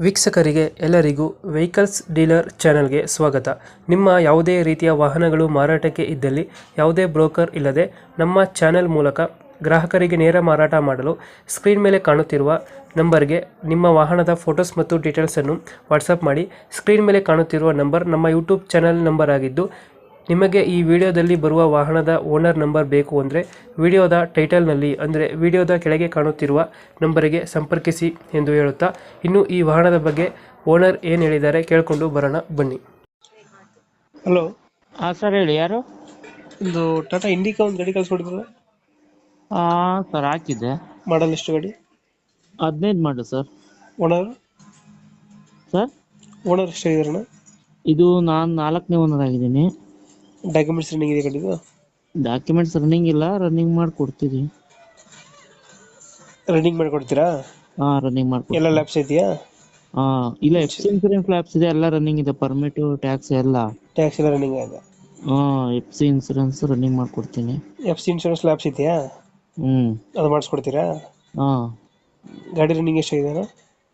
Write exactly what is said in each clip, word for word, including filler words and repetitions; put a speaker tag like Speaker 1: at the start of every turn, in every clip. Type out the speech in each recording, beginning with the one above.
Speaker 1: ವೀಕ್ಷಕರಿಗೆ ಎಲ್ಲರಿಗೂ vehicles dealer ಚಾನೆಲ್ಗೆ ಸ್ವಾಗತ. ನಿಮ್ಮ ಯಾವುದೇ ರೀತಿಯ ವಾಹನಗಳು ಮಾರಾಟಕ್ಕೆ ಇದ್ದಲ್ಲಿ ಯಾವುದೇ ಬ್ರೋಕರ್ ಇಲ್ಲದೆ ನಮ್ಮ ಚಾನೆಲ್ ಮೂಲಕ ಗ್ರಾಹಕರಿಗೆ ನೇರ ಮಾರಾಟ ಮಾಡಲು ಸ್ಕ್ರೀನ್ ಮೇಲೆ ಕಾಣುತ್ತಿರುವ ನಂಬರ್ಗೆ ನಿಮ್ಮ ವಾಹನದ ಫೋಟೋಸ್ ಮತ್ತು ಡೀಟೇಲ್ಸನ್ನು ವಾಟ್ಸಪ್ ಮಾಡಿ. ಸ್ಕ್ರೀನ್ ಮೇಲೆ ಕಾಣುತ್ತಿರುವ ನಂಬರ್ ನಮ್ಮ ಯೂಟ್ಯೂಬ್ ಚಾನೆಲ್ ನಂಬರ್ ಆಗಿದ್ದು, ನಿಮಗೆ ಈ ವಿಡಿಯೋದಲ್ಲಿ ಬರುವ ವಾಹನದ ಓನರ್ ನಂಬರ್ ಬೇಕು ಅಂದರೆ ವಿಡಿಯೋದ ಟೈಟಲ್ನಲ್ಲಿ ಅಂದರೆ ವಿಡಿಯೋದ ಕೆಳಗೆ ಕಾಣುತ್ತಿರುವ ನಂಬರಿಗೆ ಸಂಪರ್ಕಿಸಿ ಎಂದು ಹೇಳುತ್ತಾ, ಇನ್ನು ಈ ವಾಹನದ ಬಗ್ಗೆ ಓನರ್ ಏನು ಹೇಳಿದ್ದಾರೆ ಕೇಳಿಕೊಂಡು ಬರೋಣ ಬನ್ನಿ. ಹಲೋ,
Speaker 2: ಹಾ ಸರ್ ಹೇಳಿ, ಯಾರು?
Speaker 1: ಒಂದು ಟಾಟಾ ಇಂಡಿಕಾ ಒಂದು ಗಾಡಿ ಕಳಿಸ್ಕೊಡಿದ್ರಲ್ಲ,
Speaker 2: ಹಾ ಸರ್ ಹಾಕಿದ್ದೆ.
Speaker 1: ಮಾಡಲ್ ಎಷ್ಟು ಗಾಡಿ?
Speaker 2: ಹದಿನೈದು ಮಾಡಿ ಸರ್.
Speaker 1: ಓನರ್
Speaker 2: ಸರ್
Speaker 1: ಓನರ್ ಎಷ್ಟಾಗಿದಾರಣ?
Speaker 2: ಇದು ನಾನು ನಾಲ್ಕನೇ ಓನರ್ ಆಗಿದ್ದೀನಿ.
Speaker 1: ಡಾಕ್ಯುಮೆಂಟ್ಸ್ ರನ್ನಿಂಗ್ ಇದೆ ಗಾಡಿದು?
Speaker 2: ಡಾಕ್ಯುಮೆಂಟ್ಸ್ ರನ್ನಿಂಗ್ ಇಲ್ಲ, ರನ್ನಿಂಗ್ ಮಾಡಿ ಕೊಡ್ತೀವಿ.
Speaker 1: ರನ್ನಿಂಗ್ ಮಾಡಿಕೊಡ್ತೀರಾ?
Speaker 2: ಹಾ ರನ್ನಿಂಗ್ ಮಾಡ್ಕೊಡ್ತೀವಿ.
Speaker 1: ಎಲ್ಲ ಲ್ಯಾಬ್ಸ್ ಇದೆಯಾ?
Speaker 2: ಹಾ ಇಲ್ಲ, ಎಫ್ ಸಿ ಇನ್ಸೂರೆನ್ಸ್ ಲ್ಯಾಬ್ಸ್ ಇದೆ, ಎಲ್ಲ ರನ್ನಿಂಗ್ ಇದೆ. ಪರ್ಮಿಟ್, ಟ್ಯಾಕ್ಸ್ ಎಲ್ಲ.
Speaker 1: ಟ್ಯಾಕ್ಸ್ ಎಲ್ಲ ರನ್ನಿಂಗ್ ಇದೆ?
Speaker 2: ಹಾ ಎಫ್ ಸಿ ಇನ್ಸೂರೆನ್ಸ್ ರನ್ನಿಂಗ್ ಮಾಡ್ಕೊಡ್ತೀನಿ.
Speaker 1: ಎಫ್ ಸಿ ಇನ್ಶೂರೆನ್ಸ್ ಲ್ಯಾಬ್ಸ್ ಇದೆಯಾ?
Speaker 2: ಹ್ಮ್
Speaker 1: ಅದು ಮಾಡಿಸ್ಕೊಡ್ತೀರಾ?
Speaker 2: ಹಾ.
Speaker 1: ಗಾಡಿ ರನ್ನಿಂಗ್ ಎಷ್ಟಾಗಿದೆ?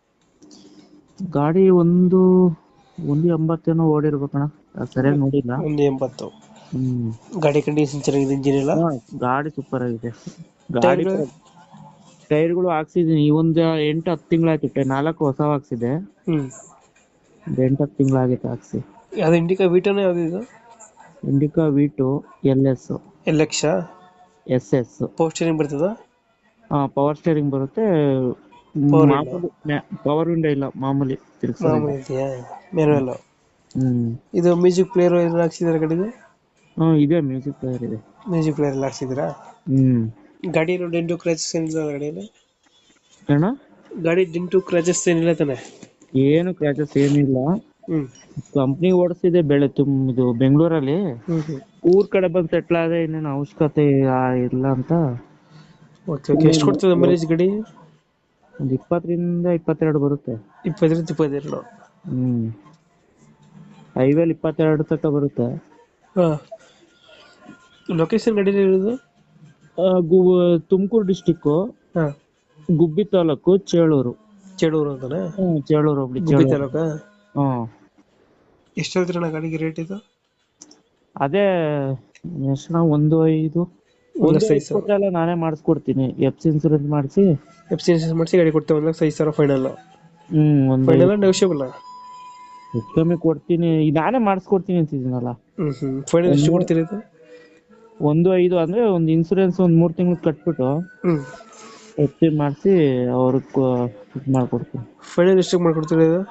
Speaker 2: ಗಾಡಿ ಒಂದು ಒಂದು ಎಂಬತ್ತೇನೋ ಓಡಿರ್ಬೇಕಣ್ಣ, ಸರಿಯಾಗಿ ನೋಡಿಲ್ಲ.
Speaker 1: ಒಂದು ಎಂಬತ್ತು.
Speaker 2: ಹ್ಮ್
Speaker 1: ಗಾಡಿ ಕಂಡೀಷನ್ ಚೆನ್ನಾಗಿದೆ, ಇಂಜಿನ್ ಎಲ್ಲ?
Speaker 2: ಹಾ, ಗಾಡಿ ಸೂಪರ್ ಆಗಿದೆ. ಗಾಡಿ ಟೈರ್ಗಳು ಹಾಕ್ಸಿದೀನಿ, ಈ ಒಂದು ಎಂಟು ಹತ್ತು ತಿಂಗಳಾಯ್ತು. ನಾಲ್ಕು ಹೊಸ ಹಾಕ್ಸಿದೆ.
Speaker 1: ಹ್ಮ್
Speaker 2: ಎಂಟು ಹತ್ತು ತಿಂಗಳಾಗಿತ್ತು ಹಾಕ್ಸಿ.
Speaker 1: ಯಾವ್ದು ಇಂಡಿಕಾ ವಿಟೋನ ಯಾವ್ದು ಇದು?
Speaker 2: Indica V two L S
Speaker 1: L X
Speaker 2: S S.
Speaker 1: Power steering ಬರ್ತದ?
Speaker 2: ಹಾ ಪವರ್ ಸ್ಟೇರಿಂಗ್ ಬರುತ್ತೆ.
Speaker 1: Power
Speaker 2: ಮಾಮೂಲಿ ಪವರ್ ವಿಂಡೋ ಇಲ್ಲ, ಮಾಮೂಲಿ ತಿರ್ಗ್ಸೋದು.
Speaker 1: ಮಾಮೂಲಿ ಇದೆಯಾ? ಮ್ಯಾನುವಲ್?
Speaker 2: ಹ್ಮ್
Speaker 1: ಇದು ಮ್ಯೂಸಿಕ್ ಪ್ಲೇಯರ್ ಎಲ್ಲ ಹಾಕ್ಸಿದಾರೆ ಗಾಡಿಗೆ?
Speaker 2: ಹ್ಮ್ ಇದೆ, ಮ್ಯೂಸಿಕ್ ಪ್ಲೇಯರ್ ಇದೆ.
Speaker 1: ಮ್ಯೂಸಿಕ್ ಪ್ಲೇಯರ್ ಎಲ್ಲ ಹಾಕ್ಸಿದ್ರಾ?
Speaker 2: ಹ್ಮ್
Speaker 1: ಗಾಡಿ ಡೆಂಟು ಕ್ರಾಚಸ್ ಏನಿಲ್ಲ ಗಾಡಿಯಲ್ಲಿ?
Speaker 2: ಅಣ್ಣ
Speaker 1: ಗಾಡಿ ಡೆಂಟು ಕ್ರಾಚಸ್ ಏನಿಲ್ಲ ತಾನೆ?
Speaker 2: ಏನು ಕ್ರ್ಯಾಚಸ್ ಏನಿಲ್ಲ.
Speaker 1: ಹ್ಮ್
Speaker 2: ಕಂಪ್ನಿ ಓಡಿಸಿದೆ ಬೆಳೆ ತುಮ್ ಇದು ಬೆಂಗಳೂರಲ್ಲಿ.
Speaker 1: ಹ್ಮ್ ಹ್ಮ್
Speaker 2: ಊರ್ ಕಡೆ ಬಂದು ಸೆಟ್ಲ್ ಆದ್ರೆ ಇನ್ನೇನು ಅವಶ್ಯಕತೆ ಇಲ್ಲ ಅಂತ.
Speaker 1: Okay okay. ಎಷ್ಟು ಕೊಡ್ತದೆ ಮೈಲೇಜ್ ಗಾಡಿ?
Speaker 2: ಒಂದ್ ಇಪ್ಪತ್ತರಿಂದ ಇಪ್ಪತ್ತೆರಡು ಬರುತ್ತೆ.
Speaker 1: ಇಪ್ಪತ್ತರಿಂದ ಇಪ್ಪತ್ತೆರಡು?
Speaker 2: ಹ್ಮ್ ಹೈವೇಲಿ ಇಪ್ಪತ್ತೆರಡು ತನಕ ಬರುತ್ತೆ.
Speaker 1: ಹಾ. ಲೊಕೇಶನ್ ಗಾಡಿ ಇರೋದು?
Speaker 2: ತುಮಕೂರು ಡಿಸ್ಟಿಕ್,
Speaker 1: ಹಾ.
Speaker 2: ಗುಬ್ಬಿ ತಾಲೂಕು, ಚೇಳೂರು.
Speaker 1: ಚೇಳೂರು ಅಂತಾನೆ?
Speaker 2: ಹ್ಮ್ ಚೇಳೂರು ಹೋಗ್ಲಿ.
Speaker 1: ಗುಬ್ಬಿ ತಾಲೂಕಾ?
Speaker 2: ಹ್ಮ್.
Speaker 1: ಎಷ್ಟು ಹೇಳ್ತೀರಣ್ಣ ಗಾಡಿಗೆ ರೇಟ್ ಇದು?
Speaker 2: ಅದೇ ಎಷ್ಟು, ಒಂದು ಐದು
Speaker 1: ಒಂದು
Speaker 2: ಒಂದು
Speaker 1: ಲಕ್ಷ ಐದು ಸಾವಿರ
Speaker 2: ಎಲ್ಲ ನಾನೇ ಮಾಡಿಸ್ಕೊಡ್ತೀನಿ. ಎಫ್ ಸಿ ಇನ್ಸೂರೆನ್ಸ್ ಮಾಡಿಸಿ
Speaker 1: ಎಫ್ ಸಿ ಇನ್ಸೂರೆನ್ಸ್ ಮಾಡಿಸಿ ಗಾಡಿ ಕೊಡ್ತೇವೆ. ಒಂದು ಲಕ್ಷ ಐದು ಸಾವಿರ ಫೈನಲ್?
Speaker 2: ಹ್ಮ್ ಒಂದು
Speaker 1: ಫೈನಲ್ ನೆಗೋಷಿಯಬಲ್?
Speaker 2: ಹೆಚ್ಚು ಕಮ್ಮಿ ಕೊಡ್ತೀನಿ, ಈಗ ನಾನೇ ಮಾಡಿಸ್ಕೊಡ್ತೀನಿ ಅಂತಿದ್ದೀನಲ್ಲ.
Speaker 1: ಹ್ಮ್ ಹ್ಮ್. ಫೈನಲ್ ಎಷ್ಟು ಕೊಡ್ತೀರಿ ಇದು?
Speaker 2: ಒಂದು ಐದು ಅಂದ್ರೆ ಒಂದು ಇನ್ಸೂರೆನ್ಸ್ ಒಂದ್ ಮೂರ್ ತಿಂಗಳು ಕಟ್ಬಿಟ್ಟು
Speaker 1: ಹ್ಮ್
Speaker 2: ಎಫ್ ಸಿ ಮಾಡಿಸಿ ಅವ್ರಿಗೆ ಇದು ಮಾಡ್ಕೊಡ್ತೀನಿ.
Speaker 1: ಫೈನಲ್ ಎಷ್ಟಕ್ಕೆ ಮಾಡ್ಕೊಡ್ತೀರಿ ಇದು?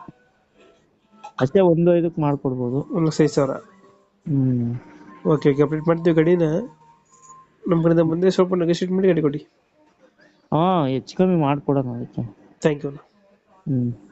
Speaker 2: ಅಷ್ಟೇ, ಒಂದು ಐದಕ್ಕೆ ಮಾಡ್ಕೊಡ್ಬೋದು.
Speaker 1: ಒಂದು ಲಕ್ಷ ಐದು ಸಾವಿರ?
Speaker 2: ಹ್ಮ್
Speaker 1: ಓಕೆ ಓಕೆ. ಅಪ್ಡೇಟ್ ಮಾಡ್ತೀವಿ ಗಾಡಿನ. ನಮ್ಮ ಕಡೆಯಿಂದ ಬಂದರೆ ಸ್ವಲ್ಪ ನೆಗೋಷಿಯೇಟ್ ಮಾಡಿ ಗಾಡಿ ಕೊಡಿ.
Speaker 2: ಹಾ ಹೆಚ್ಚು ಕಮ್ಮಿ ಮಾಡ್ಕೊಡೋಣ ಅದಕ್ಕೆ.
Speaker 1: Thank you.
Speaker 2: ಹ್ಮ್